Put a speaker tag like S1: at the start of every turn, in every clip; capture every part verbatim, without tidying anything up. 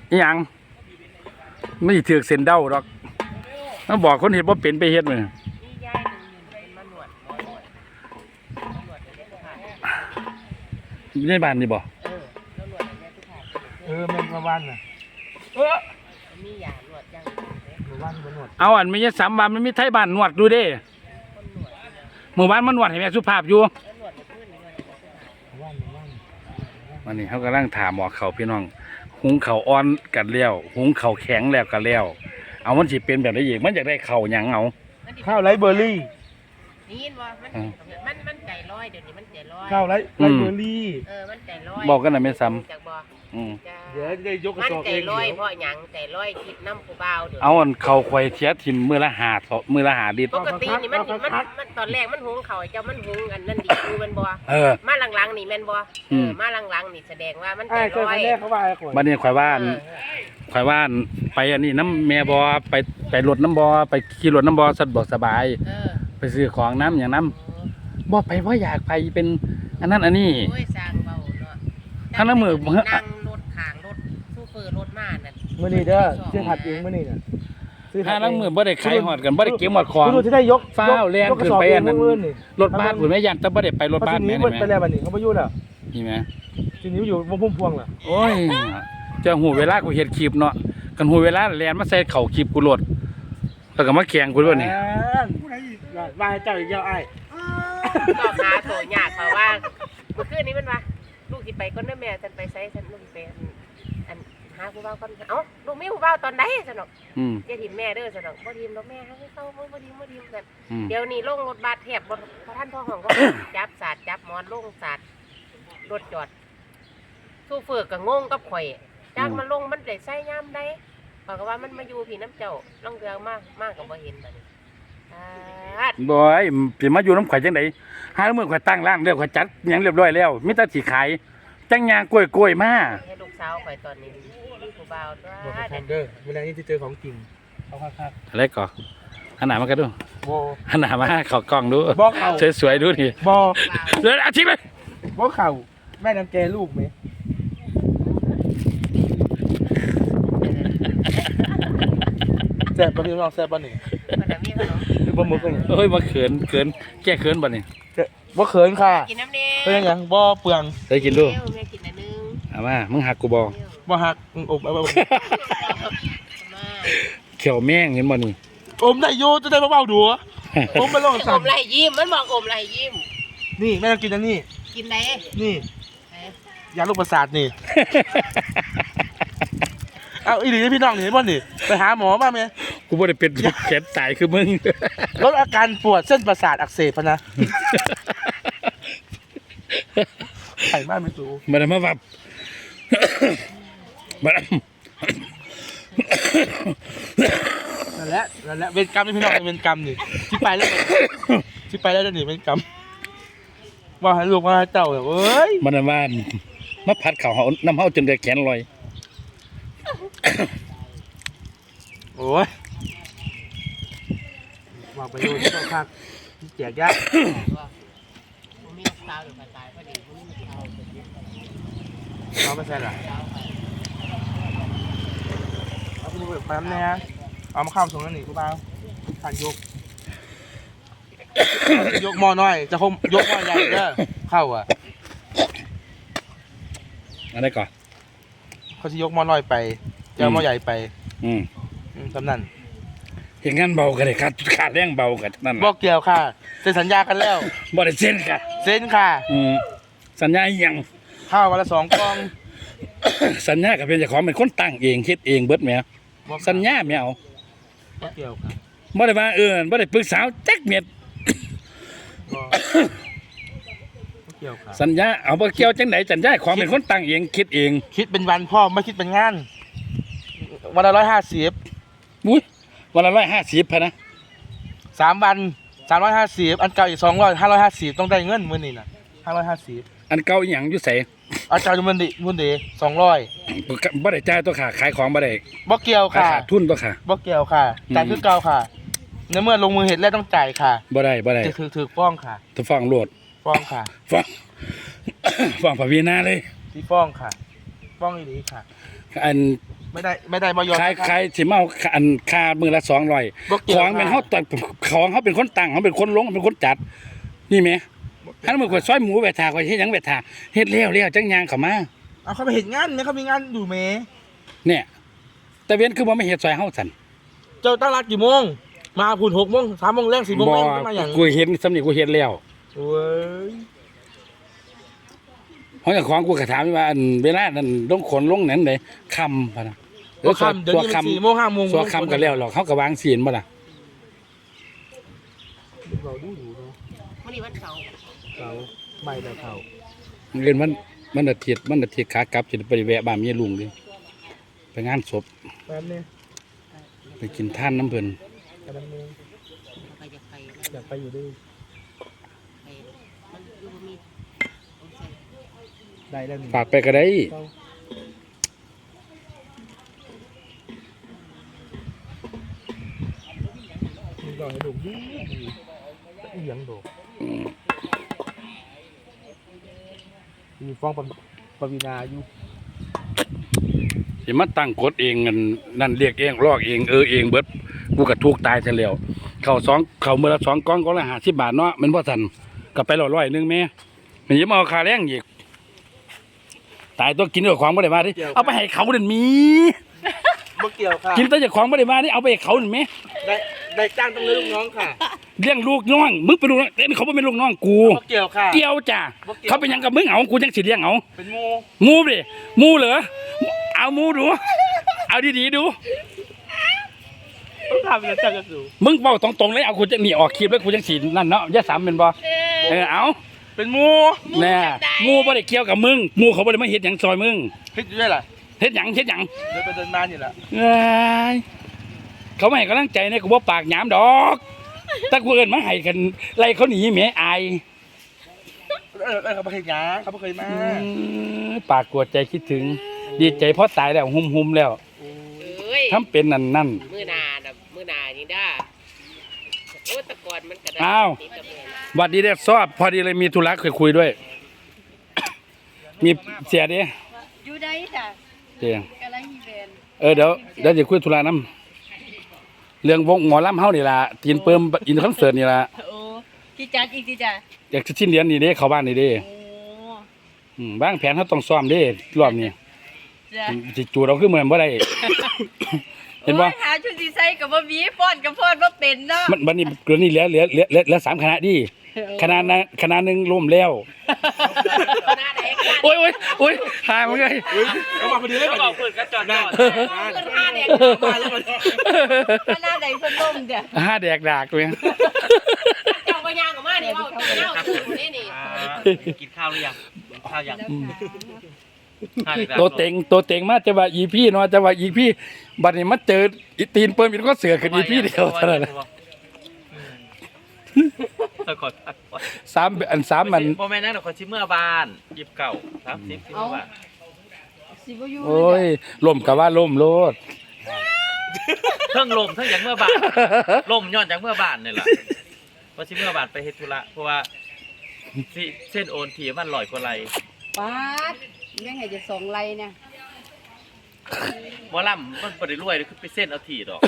S1: หยังไม่ถือเส้นเด้าหรอกต้องบอกคนเห็นว่าเป็นไปเฮ็ดมือในบ้านนี่บ่
S2: เออแม่มาบ้านน่ะเออมียาหนวดจังหมู่บ้านบ่หนวด
S1: เอาอันไม่ใช่สามบ้านมันมีไทยบ้านนวดดูเด้หมู่บ้านมันนวดให้แม่สุภาพอยู่วันนี้เขากำลังถามหมอเขาพี่น้องหุงเขาอ่อนกันแล้วหุงเขาแข็งแล้วกันแล้วเอามันสิเป็นแบบนี้อีกมันอยากได้เข่าหยังเอา
S2: ข้าวไรเบอร์รี่
S3: นี่ว่ามันมันมันใจลอยเดี๋ยวนี้มันใจลอย
S2: ข้าวไรไรเบอร์รี่
S3: เออมันใจลอย
S1: บอกกันนะไม่ซ้ำ
S2: เดี๋ยวได้ยกกระสอบ
S3: เองมันใจลอยเพราะหยังใจลอยคิดน้ำผู้เบาเดี๋ยว
S1: เอาอันเข่าควายเทียทิมมือละหามือละหาดิป
S3: กตินี่มันมันมันตอนแรกมันหุงเขาเจ้ามันหุงอันนั้นดีคือมันบ่
S1: เออ
S3: มาหลังๆนี่แม่นบ่เออมาหลังๆนี่แสดงว่ามันใจลอย
S1: บัดนี้ควายว่านควายว่านไปอันนี้น้ำแม่บ่ไปไปรถน้ำบ่ไปขี่รถน้ำบ่สะดวกสบายไปซื้อของน้ำอย่างน้ำบ่ไปเพราะอยากไปเป็นอันนั้นอันนี้
S3: โอ้ยสร้างเบาเนาะ
S1: ถ้าน้ำมือ
S3: นั่งรถขางรถซูเปอร์รถมานั่น
S2: มื้อนี้เด้อซื้อผัดเองมื้อนี้น่ะ
S1: ถ้าน้ำมือบ่ได้ขายหอดกันบ่ได้เก็บหอดของ
S2: คือที่ได้ยก
S1: ฟ้าวแล่นขึ้นไปอันนั้นรถบ้านพุ่นแม่ยันแต่บ่ได้ไปรถบ้านแม่นี่แม่
S2: ไปแล้วบัดนี้เขาบ่อยู่แล้ว
S1: นี่แม่
S2: ทีนี้อยู่วงพุ่มพวงล่ะ
S1: โอ้ยเจ้าหูเวลากูเฮ็ดคลิปเนาะกันหูเวลาแล่นมาใส่เข่าคลิปกูโลดแล้วก็มาแข่งกูด้วยนี่
S2: ว่าให้เจ้าอีกแล้วอ้าย
S3: ก็หาโถยากเขาว่าเมื่อคืนนี้มันว่าลูกสิไปก่อนเด้อแม่ฉันไปไสฉันลูกไปอันหาผู้บ่าวก่อนเอ้าลูกมีผู้บ่าวตอนใดซั่นดอก
S1: อืม
S3: อย่าทิ่มแม่เด้อซั่นดอกบ่ทิ่มดอกแม่ให้เข้าบ่ทิ่มบ่ทิ่มซั่นเดี๋ยวนี้ลงรถบัสแทบบ่ทันพ่อห้องก็จับสาดจับหมอนลงสาดรถจอดซูเฟอร์ก็งงกับข่อยจักมันลงมันได้ใส่ยามใดเขาก็ว่ามันมาอยู่พี่น้ำเจ้าลองเรือมากมากก็บ่เห็นบัดนี้
S1: บ่อยสิมาอยู่น้ำข่อยจังได๋หามื้อข่อยตั้งร้านแล้วข่อยจัดหยังเรียบร้อยแล้วมีแต่สิขายจังยางกล้วยๆมา
S3: ให้ลูกสาวข่อยตอนนี้มีผู้บ่าวตัว
S2: บ่ทันเด้อมื้อนี้ที่เจอของจริงเอาคัก
S1: ๆอะไรก่อหันหน้ามากันดู
S2: บ่
S1: หันหน้ามาเข้ากล้องดู
S2: บ่เข้า
S1: สวยๆดูนี่
S2: บ่
S1: เดี๋ยวอาทิตย์เลย
S2: บ่เข้าแม่นำแกลูกมั้ยแซ่บบ่พี่น้องแซ่บบ่นี่
S3: มันน่ะมีขนม
S2: บ่มึกนี่
S1: เฮ้ยมาเขินเขินแก้เขินบ่นี่
S2: บ่เขินค่ะ
S3: กินน้ำเด้
S2: เป็นหยังบ่เปลือง
S1: ได้กินดู
S3: แม่กินอันนึง
S1: เอามามึงหักกูบ่
S2: บ่หักอมเอาบ่
S1: เขียวแม่งเห็นบ่นี่
S2: อมได้อยู่จะได้เบาๆดูอมบ่ลงสั่น
S3: อมไหลยิ้มมันบอกอมไหลยิ้ม
S2: นี่แม่ต้องกินอันนี้
S3: กินไหน
S2: นี่ยาลูกประสาทนี่เอาอีหลีพี่น้องนี่บ่นี่ไปหาหมอมามั้ย
S1: กูบ่ได้เป็นแขนตายคือมึง
S2: ลดอาการปวดเส้นประสาทอักเสบนะไข่มากไม่สู
S1: มาได้มาวับมา
S2: นั่นแหละนั่นแหละเวรกรรมนี่พี่น้องเวรกรรมนี่ที่ไปแล้วที่ไปแล้วนี่เวรกรรมว่าให้ลูกว่าให้เจ้าเอ้ย
S1: มันว่านมาผัดข้าวเฮาน้ำเฮาจนได้แขนลอย
S2: โอ้ยว่าไปดูที่พักแจกยา
S3: มีสาวอยู่ภายใต้พอดีมีสาว
S2: เอาไม่ใช่หรอเอาไปดูแบบน้ำเนี่ยเอามาข้ามส่งนั่นนี่กูเปล่าผ่านยกยกหม้อน้อยจะคมยกหม้อใหญ่เด้อเข้าอ่ะ
S1: อะไรก่อน
S2: เขาจะยกหม้อน้อยไปจะเอาหม้อใหญ่ไป
S1: อืม
S2: สำนัน
S1: เห็นงั้นเบากันเลยครับขาดแรงเบากันนั่น
S2: บอกเกี่ยวค่ะเซ็นสัญญากันแล้ว
S1: บอกได้เซ็นค่ะ
S2: เซ็นค่ะ
S1: อืมสัญญาอย่าง
S2: ข้าววันละสองกล่อง
S1: สัญญากับเป็นเจ้าของเป็นคนตั้งเองคิดเองเบิดแมวสัญญาไม่เอา
S2: บอกเกี่ยวค่ะ
S1: บ่ได้มาเออบ่ได้ปรึกษาแจ็คเม็ด
S2: เกี่ยวค่ะ
S1: สัญญาเอาบ่เกี่ยวจังไหนสัญญาของเป็นคนตั้งเองคิดเอง
S2: คิดเป็นวันพ่อไม่คิดเป็นงานวันละร้อยห้าสิบ
S1: อุ้ยวันละร้อยห้าสิบพะนะ
S2: สามวันสามร้อยห้าสิบอันเก่าอีกสองร้อยห้าร้อยห้าสิบต้องได้เงินมื้อนี้น่ะห้าร้อยห้าสิบ
S1: อันเก่าอีหยังอยู่ไส
S2: อันเก่าอยู่มันดิมันดิสองร้อย
S1: บ่ได้จ่ายตัวค่ะขายของบ่ได้
S2: บ่เกี่ยวค่ะ
S1: ขาดทุนตัวค่ะ
S2: บ่เกี่ยวค่ะจ่ายคือเก่าค่ะในเมื่อลงมือเห็ดแล้วต้องจ่ายค่ะ
S1: บ่ได้บ่ได้
S2: ถือถือฟ้องค่ะ
S1: ถือฟ้องโลด
S2: ฟ้องค่ะ
S1: ฟ้องฟ้องพระวีนาเลย
S2: ที่ฟ้องค่ะฟ้องอีหลีค่ะ
S1: อัน
S2: ไม่ได้ไม่ได้บ่ยอม
S1: ใครใครสิมาเอาอันค่ามือละสองร้อย
S2: บ่เกี่ยว
S1: ของเป็นเฮาตัดของเขาเป็นคนตั้งเขาเป็นคนลงเขาเป็นคนจัดนี่แหมถ้ามือข่อยซอยหมูแวะทาข่อยเฮ็ดหยังแวะทาเฮ็ดแล้วแล้วจังยางเข้ามา
S2: เอาเขาไปเห็นงานเนี่ยเขามีงานอยู่เม
S1: เนี่ยแต่เว้นคือบ่ไม่เฮ็ดซอยเฮาสั่น
S2: เจ้าตั้งรักกี่โมงมาพูนหกโมงสามโมงแรกสี่โมง
S1: บ่
S2: แรกมาอย่าง
S1: กูเห็นสำนี่กูเฮ็ดแล้ว
S2: โอ้ย
S1: เพราะอย่างของกูก็ถามว่าอันเวลานั้นลงขนลงนั้นไดค่ำพุ่นน่ะ
S2: ก็คำเดี๋ยวนี้มันสี่โมงห้าโมง
S1: สัวค่ำก็แล้วหรอกเขาก็วางศีลบ่ล่ะ
S2: เราดูดูเนาะ
S3: วันนี้วันเสาร์
S2: เขาไม่ได้เขา
S1: เรียนมันมันอาทิตย์มันอาทิตย์ขากลับสิไปแวะบ้านเมียลุงดิไปงานศพ
S2: แป๊บนึง
S1: ไปกินท่านน้ำเพิ่น
S2: แป๊บนึง
S3: ไปจะไป
S2: อยากไปอยู่ด้วย
S3: ไปมันอยู่บ่มีโอ้ใส่
S2: ได้แล้วนี่
S1: ฝากไปก็ได้
S2: เขามึงก็ให้ดูดีดีเลี้ยงดูมีฟ้องปปวีนาอยู่
S1: สิมาตั้งกฎเองนั่นนั่นเรียกเองลอกเองเออเองเบิดกูก็ทุกข์ตายซะแล้วเข้าสองเข้ามื้อละสองกล่องก็ละห้าสิบบาทเนาะแมันบ่ทันก็ไปร้อยๆนึงแม่มันยังมาเอาค่าแรงอีกตายตัวกินด้วยของบ่ได้มาดิเอาไปให้เขาเด่นมี
S2: เมื่อเกี่ยวค่ะ
S1: กินแต่จากของบ่ได้มานี่เอาไปให้เขาเด่นแม่
S2: ได้ได้จ้างต้องเลี้ยงลูกน้องค่ะ
S1: เลี้ยงลูกน้องมึงเป็นลูกน้องแต่เขาบ่เป็นลูกน้องกู
S2: เมื่อเกี่ยวค่ะ
S1: เกี่ยวจ้ะ
S2: บ่เกี่ยว
S1: เขาเป็นหยังกับมึงเอากูจังสิเลี้ยงเอา
S2: เป็นโม
S1: หมูดิหมูเหรอเอาหมูดูเอาดีๆดู
S2: ต้องทำเป็นจ้างกันอยู่
S1: มึงเป้าตรงๆเลยเอากูจะหนีออกคลิปแล้วกูจังสินั่นเนาะอย่าสามเป็นบ่เออเอา
S2: เป็นโม
S1: แน่หมูบ่ได้เกี่ยวกับมึงหมูเขาบ่ได้มาเฮ็ดหยังซอยมึง
S2: คิดอยู่ด้วยล่ะ
S1: เฮ็ดหยังเฮ็ดหยัง
S2: เดินไปเดินมานี่แหละ
S1: เอ้ยเขาไม่ให้กำลังใจเนี่ยกูบ่ปากหยามดอกถ้ากูเอิ้นมาให้กันไล่เขาหนีแหมอาย
S2: เออเออเขาไม่เคยย้างเขาไม่เคยมา
S1: อืมปากกวดใจคิดถึง ดีใจเพราะตายแล้วหุ่มๆแล้ว
S3: เอ้ย
S1: ทำเป็นนั่นนั่น
S3: มื้อหนาน่ะมื้อหนานี่ด้าโอ้แตะกอนมันก็ได้
S1: อ้าว
S3: ติดกับแม่นะ
S1: หวัดดีเด้อซอบพอดีเลยมีธุระเคยคุยด้วย มีเสียเด้
S4: อยู่ได้จ้ะ
S1: เดี๋ยว
S4: กำลังมีแบรนด์
S1: เออเดี๋ยวเดี๋ยวจะคุยธุระน้ำเรื่องวงหมอลำเฮานี่ล่ะตีนเปิมอินคอนเสิร์ตนี่ล่ะ
S4: โอ้ที่จัดอีกที่จ้ะ
S1: อยากจะชิ้นเดือนนี่เด้เข้าบ้านนี่เด้
S4: โอ้
S1: อืมวางแผนเฮาต้องซ้อมเด้รอบนี้
S4: จ้ะ
S1: สิจูดเอาคือเหมือนบ่ได้ เห็นบ่
S4: โอ้ยหาชุดสีใส่กับบ่มีฟ้อนกับฟ้อนบ่เป็นเนาะ
S1: มันบัดนี้เกินนี่เหลือเหลือเหลือเหลือเหลือสามคณะดิคณะนั้นคณะหนึงล่มแล้ว
S3: หน้าแดงกัน
S1: โอ้ยโอ้ยโอ้ยหามึงไง
S2: เขามาพอดีเลยเขาบอกเปิดกระจกหน้า
S3: เงินห้าแดง
S2: มาแล้วมัน
S4: ขนาดใดเพิ่นล่มเด้อ
S1: ห้าแดกดากเลย
S3: เจ้าก็ย่างออกมานี่เว้าเจ้าตื่นนี่นี่
S5: กินข้าวหรือยังข้าวยังข้าวอีกแล้ว
S1: ตัวเต็งตัวเต็งมาจะว่าอีพี่เนาะจะว่าอีพี่บัดนี้มาเจออีตีนเปิ้มอีกก็เสือขึ้นอีพี่เดียวเท่านั้นแหละ
S5: ขอทักว่า
S1: สามอันสามมัน
S5: โมเมนต์นั้นเราขอชิมเมื่อบานยิบเก่าสามสิบสิบเมื่อบาน
S4: สิบ่อยู่
S1: โอ้ยล่มกับว่าล่มโลด
S5: เพิ่งลมเพิ่งอย่างเมื่อบานลมย้อนจากเมื่อบานนี่แหละเพราะชิมเมื่อบานไปเฮดธุระเพราะว่าสิเส้นโอนทีมันลอยกว่าไร
S4: ปาดยังไงจะสองไร่เนี่ย
S5: หมอลำมันบ่ได้รวยเลยคือไปเส้นเอาทีดอก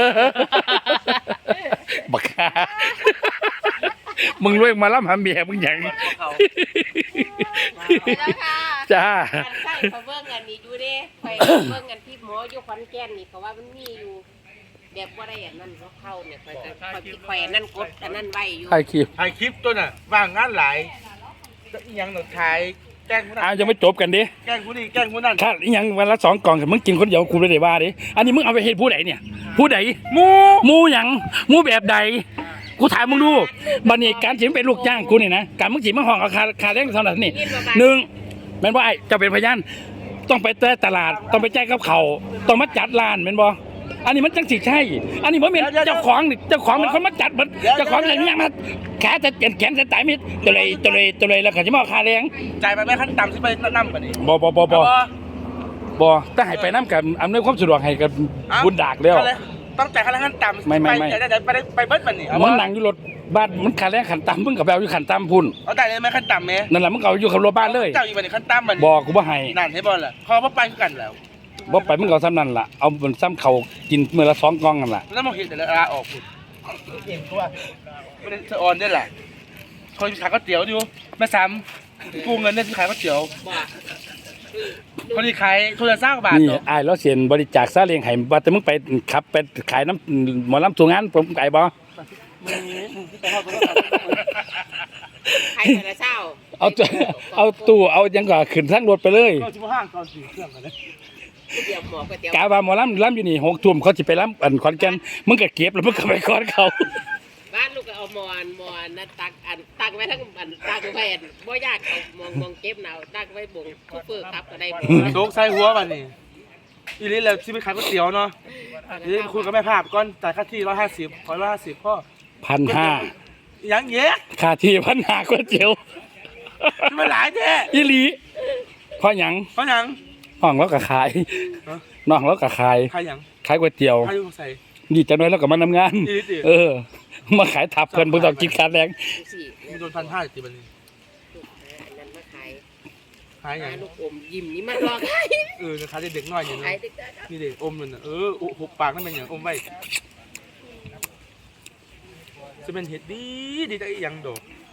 S1: บักฮามึงรวยมาล่ำหาเมียมึงหยัง
S5: เขา
S4: แล้วค่ะ
S1: จ้า
S3: อันใช่เขาเบิ่งอันนี้อยู่เด้ไปเบิ่งอันที่หมออยู่ขอนแก่นนี่เขาว่ามันมีอยู่ แบบว่าได้อันนั้นเขาเข้าเนี่ยคอยจะคอยคิดคอยอันนั้นกดอันนั้นไว้อยู่
S1: ใครคิว
S2: ถ่ายคลิปตัวน่ะว่างงานหลายก็อีหยังหนูถ่ายแกล้งผู้นั้น
S1: อ้าวยังไม่จบกันดิ
S2: แกล้งผู้นี้แกล้งผู้นั้น
S1: ถ้าอีหยังวันละสองกล่องกับมึงกินคนเดียวกูไม่ได้ว่าดิอันนี้มึงเอาไปเฮ็ดผู้ใดเนี่ย ผู้ใด
S2: หมู
S1: หมูหยังหมูแบบใด กูถามมึงดูบัดนี้การสิเป็นลูกจ้างกูนี่นะการมึงสิมาห้องเอาคาคาแรงเท่านั้นนี่หนึ่งแม่นว่าไอ้เจะเป็นพยานต้องไปเตะตลาดต้องไปแจ้งกับเขาต้องมาจัดร้านแม่นบ่อันนี้มันจังสิใช่ อันนี้บ่แม่นเจ้าของนี่เจ้าของเป็นคนมาจัดมันเจ้าของอะไรนี่ยังมาแขนจะแขนจะตายมิดตัวเลยตัวเลยตัวเลยแล้วก็สิมาเอาค่าแรง
S2: จ่ายไปแม่ขั้นต่ำสิไปนั่นกันนี่
S1: บ่บ่บ่บ่บ่ถ้าให้ไปนํกันอำนวยความสะดวกให้กับบุญดากแล้ว
S2: ต้องจ่ายขั้นต่ำ
S1: ไม่ไม่ไม่
S2: ไปได้ไปได้ไปเบิ้ลมันนี่
S1: มึงนั่งอยู่รถบ้านมันค่าแรงขันต่ำมึงก็ไปเอาอยู่ขันต่ำพุ่น
S2: เอาได้เลยไหมขั้นต่ำไหม
S1: นั่นแหละมึงก็เอาอยู่กับรถบ้านเลย
S2: เจ้าอยู่วันนี้ขั้นต่ำมัน
S1: บอกกูบ่ให้
S2: นั่นให้บอลล่ะเขาว่าไปกันแล้ว
S1: บ่ไปมึงก็ซ้ำนั่นล่ะเอาบนซ้ำเขากินมื้อละสองกล่องนั่นล่ะ
S2: แล้วมาเห็นแต่ละลาออกพุ่นเองก็ว่าไม่ได้สะออนได้แหละคนขายก๋วยเตี๋ยวอยู่แม่ซ้ำกู้เงินเนี่ยที่ขายก๋วยเตี๋ยวคนที่ขายคนละสร้างบาท
S1: นี่
S2: เนาะ
S1: อ้ายแล้วเสียนบริจาคซาเลี้ยงให้ว่าแต่มึงไปขับไปขายน้ำหมอลำสู่งานผมไก่บ่
S3: ใครแต่ละเช้า
S1: เอาตัวเอาตู้เอาหยังก็ขึ้นทางรถไปเลย
S2: ก็ชิบห้างตอนสี่เครื่องกันนะ
S3: เดี๋ยวหมอก๋วยเตี๋ยว
S1: กาว่าหมอลำลำอยู่นี่หกทุ่มเขาสิไปลำอันขอนแก่นมึงก็เก็บแล้วมึงก็ไปขอนเขา
S3: บ้านลูกก็เอามอนมอนนะตักอันตักไว้ทั้งอันตักไว้อันบ่ยากเอามองมองเก็บหนาวตักไว้บงคูเฟอร์ครับก็ได้
S2: โดกใส่หัวมันนี่อีลิแล้วที่ไปขายก๋วยเตี๋ยวเนาะอีลิคุยกับแม่ภาพก่อนจ่ายค่าที่ร้อยห้าสิบขอร้อยห้าสิบพ่อ
S1: พันห้า
S2: ยังเงี้ย
S1: ค่าที่พันห้าก๋วยเตี๋ยว
S2: จะมาหลายแท้
S1: อีหลีเพราะหยัง
S2: เพราะยัง
S1: ห้องเราก็ขาย
S2: ฮะ
S1: น้องเราก็ขาย
S2: ใครยัง
S1: ขายก๋วยเตี๋ยว
S2: ใครอยู่ใส่
S1: ดีจังเลยแล้วก็มาทำงาน
S2: อีลิติ
S1: เออ มาขายทับเพิ่นเพิ่นต้องกินค่าแรง
S3: สิ
S2: มีโดนพันห้าติบันนี้
S3: ลูกอันนั้นมาขาย
S2: ขายยัง
S3: หาลูกอมยิ้มนี่มันรอขาย
S2: เออขายเด็กๆน้อยอย่าง
S3: ขา
S2: นี้
S3: ยดึกได้ครับ
S2: นี่เด็กอมมันน่ะเออหุบปากนั่นเป็นอย่างอมไว้จะเป็นเห็ดดีดีแต่อีหยังดอก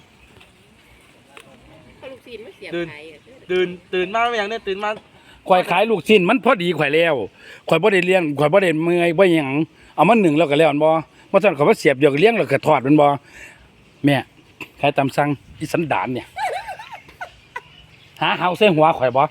S3: เขาลูกศิลป์มาเสียบ
S2: เดิน
S3: ขายอะ
S2: ตื่นตื่นมาไม่อย่างเนี่ยตื่นมา
S1: ข่อยขายลูกชิ้นมันพอดีข่อยแล้วข่อยบ่ได้เลี้ยงข่อยบ่ได้เมื่อยบ่หยังเอามาหนึ่งแล้วก็แล้วอันบ่บ่ซั่นเขามาเสียบเดียวก็เลี้ยงแล้วก็ทอดมันบ่แม่ขายตามสั่งอีสันดานเนี่ยหาเฮาใส่หัวข่อยบ่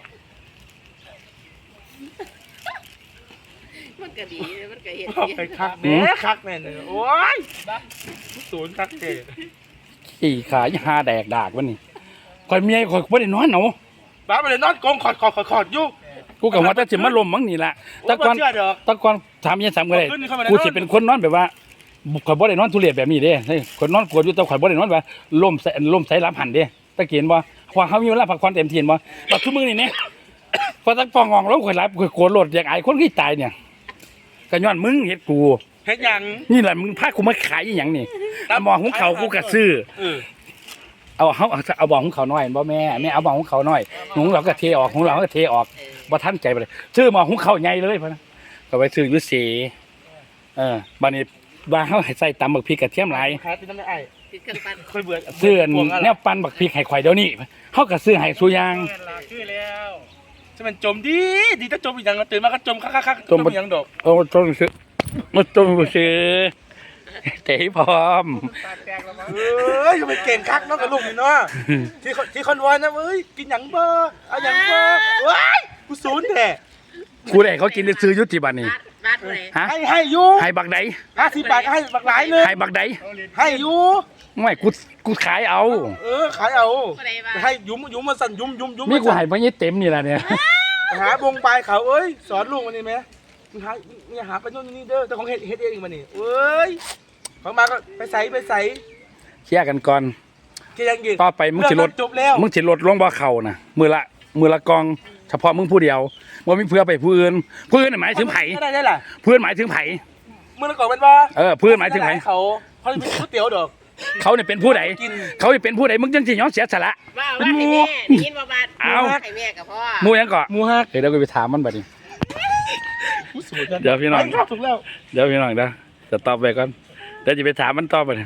S3: มันก็ดีมันก็เห็น
S2: ไปคักแน่คักแน่เลยโอ้ยศูนย์คักเจ
S1: ขี้ขายหาแดกดากวันนี้ข่อยเมียข่อยบ่ได้นอนเนาะ
S2: บ้าไปเลยนอนกองขอดขอดขอดขอดอยู่
S1: กูก็ว่าแต่สิมาลมมั้งนี่ล่ะแตะก่อน
S2: โยบ่เชื่อดอก
S1: แตะก่อนถามยังซ้ํก็ได้
S2: ขึ้นเข้ามาใน
S1: กูสิเป็นคนนอนแบบว่าข่อยบ่ได้นอนทุเรศแบบนี้เด้เฮ้ยข่อยนอนกวดอยู่แต่ข่อยบ่ได้นอนว่าลมใส่ลมใส่รับหันเด้ตะเกียนบ่เพราะเฮามีเวลาพักผ่อนเต็มที่บ่บัดทุกมื้อนี่แหน่พอตักปองงองแล้วข่อยหลับข่อยโกรธโลดอยากอายคนที่ตายเนี่ยก็ย้อนมึงเฮ็ดกู
S2: เฮ็ดหยัง
S1: นี่แหละมึงพากูมาขายอีหยังนี่เอาหมอหุงเขาวกูก็ซื้อ
S2: เออ
S1: เอาเฮาเอาเอาบ่อหุงเขาวน้อยบ่แม่แม่เอาบ่อหุงเขาวน้อยหุงเราก็เทออกหุงเราก็เทออกบ่ทันใจไปเลยซื้อหมอหุงเขาวใหญ่เลยพุ่นนะก็ไปซื้ออยู่เสเออบัดนี้ว่าเฮาให้ใส่ตำบักพริกกระเทียมหลาย
S2: ขายเป็นน้ำไม่ไอ้
S3: ติดเครื่องปั้น
S2: ค่อยเบื่อ
S1: ซื้ออันแนวปั่นบักพริกให้ข่อยเดี๋ยวนี้เฮาก็ซื้อให้ซุอย่าง
S2: จะเป็นจมดีดีถ้าจมอีกอย่างตื่นมาก็จมคักคักคักจมอีกอย่างดอก
S1: โอ้ต้นซื้อมาต้นซื้อเตะพร้อม
S2: เอ้ยจะเป็นเก่งคักเนาะกับลูกนี่เนาะที่ที่คอนวอยนะเอ้ยกินหยังเบอร์เอาหยังเบอร์ว้ายกูศูนย์แท้
S1: กูได้เขากินได้ซื้ออยู่ที่บ้านนี่
S3: บาทบาทเลย
S1: ฮะ
S2: ให้ให้ยู
S1: ให้บักใด
S2: ห้าสิบบาทก็ให้บักหลายเลย
S1: ให้บักใด
S2: ให้ยู
S1: ไม่กูกูขายเอา
S2: เออขายเอา
S3: ก็ได้ว่า
S2: ให้ยุ้มยุ้มมาสั่นยุ้มยุ้มยุ้ม
S1: นี่กูให้บ่ยี่เต็มนี่ล่ะเนี่ย
S2: หาบงปลายเขาเอ้ยสอนลูกมันนี่ไหมมึงหามึงหาไปโน่นนี่เด้อแต่ของเฮ็ดเฮ็ดเองมันนี่เอ้ยของมาก็ไปใส่ไปใส่
S1: เคลียร์กันก่อน
S2: เกียงอีก
S1: ต่อไปมึงสิลด
S2: จบแล้ว
S1: มึงสิลดลงบ่เข้านะมือละมือละกอง เฉพาะมึงผู้เดียวบ่มีเพื่อไปผู้อื่นผู้อื่นน่ะหมายถึงไผ
S2: ได้ได้ล่ะ
S1: เพื่อนหมายถึงไผ
S2: มึงละก่อนเป็นว่า
S1: เออเพื่อนหมายถึงไผ
S2: เขาเขาจะเป็นก๋วยเตี๋ยวดอก
S1: เขาเนี่ยเป็นผู้ใด
S2: กิน
S1: เขาสิเป็นผู้ใดมึงจังสิยอมเสียสละ
S3: ว่าว่าให้แม่ได้ยินว่าบาท
S1: เอา
S3: ให้แม่กับพ่อ
S1: หมู่หยังก็
S2: หมูฮัก
S1: เดี๋ยวกูไปถามมันบัดนี้
S2: กูสวยจัง
S1: เดี๋ยวพี่น้อง
S2: ไปครับถูกแล้ว
S1: เดี๋ยวพี่น้องนะจะตอบไปก่อนเดี๋ยวจะไปถามมันตอบไปเนี่ย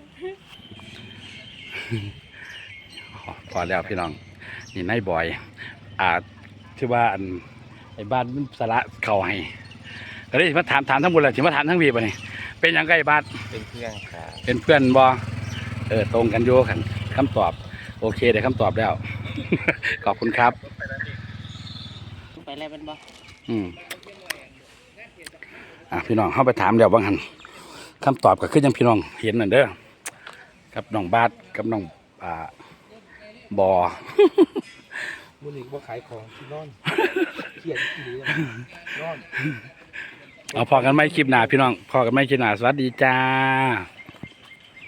S1: พอแล้วพี่น้องนี่นายบอย อ่าที่ว่าอันไอ้บ้านมันสาระเข่าให้ก็เลยมาถามถามทั้งหมดเลยถึงมาถามทั้งวีป่ะนี่เป็นหยังไงบ้าน
S5: เป็นเพื่อนครับ
S1: เป็นเพื่อนบอเออตรงกันโยกันคำตอบ โอเคได้คำตอบแล้ว ขอบคุณครับ
S3: ไปแล้วเป็นบ่
S1: อืมอ่ะพี่น้องเข้าไปถามเดี๋ยวบางหันคำตอบก็คือยังพี่น้องเห็นนั่นเด้อกับน้องบาสกับน้องอ่าบอ
S2: มึงนี่ว่าขายของที่นอนเขียนที่ดีนอน
S1: เอาพอกันไหมคลิปหน้าพี่น้องพอกันไหมคลิปหน้าสวัสดีจ้า